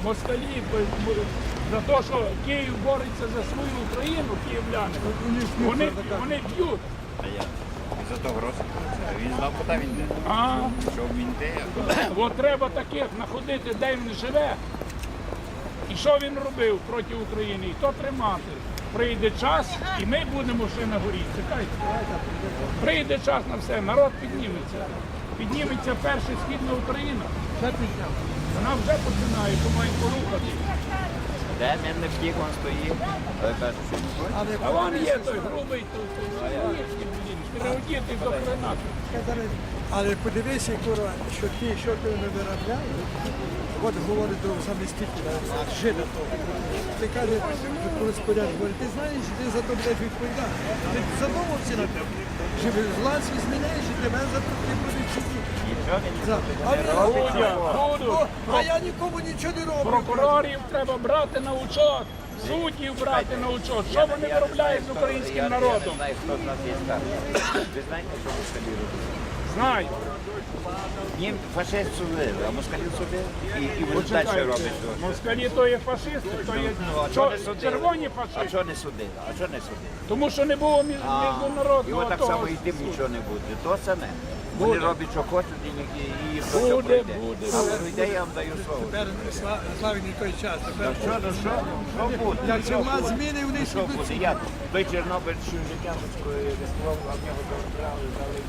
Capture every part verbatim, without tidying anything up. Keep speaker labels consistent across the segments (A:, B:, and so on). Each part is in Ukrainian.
A: москалі, за те, що Київ бореться за свою Україну, київляни, вони, вони б'ють.
B: А я за того року. Він знав, куди він йде.
A: А,
B: Що він йде,
A: от треба таких знаходити, де він живе. І що він робив проти України, і то тримати. Прийде час, і ми будемо ще на горі. Чекайте. Прийде час на все, народ підніметься. Підніметься перша східна Україна. Вона вже починає, помає порухати.
B: де він не втік, він стоїть. Але каже, що не хоче.
A: А вон є той грубий, той стереотипний до хрена.
C: Але подивися, Кура, що ті, що ти не виробляє, от говорить до замістителя, жида того. Ти каже, кореспондент, говорить, ти знаєш, ти за то будеш відповідати. Ти задумався на тебе. Що власть зміняєш, і тебе за то ти будеш сидіти.
B: Нічого він
C: За- А
B: не
C: він-
B: робить.
A: Будуть,
C: О,
A: будуть.
C: А я нікому нічого не роблю.
A: Прокурорів треба брати на учет, суддів брати на учет. Що вони виробляють з українським народом?
B: Я не знаю, хто з нас є старший. Ви знаєте, що москалі роблять?
A: Знаю.
B: Їм фашист судили, а москалів судили. І, і вони далі
A: Почекайте,
B: роблять. що?
A: москалі то є фашисти, то є
B: Ну, а
A: чо-
B: чого не судили?
A: червоні
B: А
A: фашисти.
B: чого не судили? А чого не судили?
A: Тому що не було між-
B: І
A: міжнародного
B: от так
A: того.
B: само і тим нічого не буде. То саме. Вони
A: Буде.
B: роблять, що хочуть, і, і, і їм
A: Буде,
B: то пройде.
A: буде.
B: Але пройде, я вам даю слово.
C: Тепер Сла- славний той час. Тепер
B: Що, ну що? Що буде?
C: як
B: Що
C: це влад
B: буде?
C: зміни, вони
B: Що
C: сидуть.
B: буде? Я той Чорнобиль, що життя рискував, а в нього забрали, дали.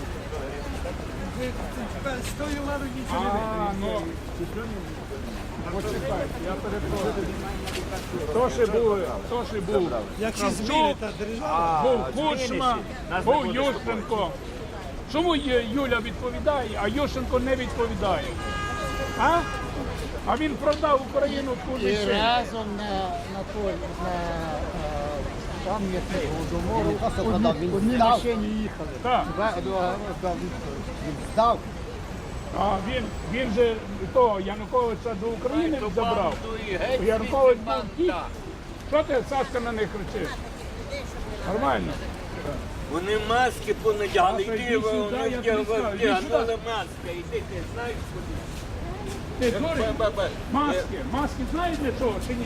C: Тепер з тою владою нічого не вийде.
A: А, ну, почекайте, я перепрошую. То ще був, то ще був.
C: Як всі
A: Кравчук,
C: зміни та держава.
A: був
B: А,
A: Кучма,
B: змінишся. Нас не
A: був
B: буде
A: Ющенко. Чому Ю- Юля відповідає, а Ющенко не відповідає? А? А він продав Україну куди
D: І
A: ще.
D: разом на, на той, на е, пам'ятник Голодомору одні, одні машині їхали.
A: Так.
D: Два- два- два- Він здав.
A: А він, він же того Януковича до України забрав. Янукович був втік. Що ти, Сашка, на них кричиш? Нормально.
E: Вони маски понадягли,
A: Саша,
E: йди,
A: йди
E: вони
A: сюди, я тобі скажу, йди
E: вдягнули
A: сюди.
E: маски, йди, ти знаєш куди?
A: Ти дурень?
E: Ба-ба-ба.
A: Маски. Маски знаєш для чого чи ні?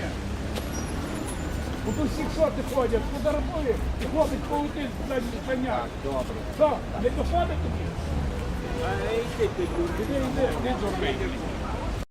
A: Бо тут всі шоти ходять, фотографує і хлопець полетить за коня. Добре. Що, не доходить тобі?
E: А йди ти,
A: Іди, іди, іди, зробити.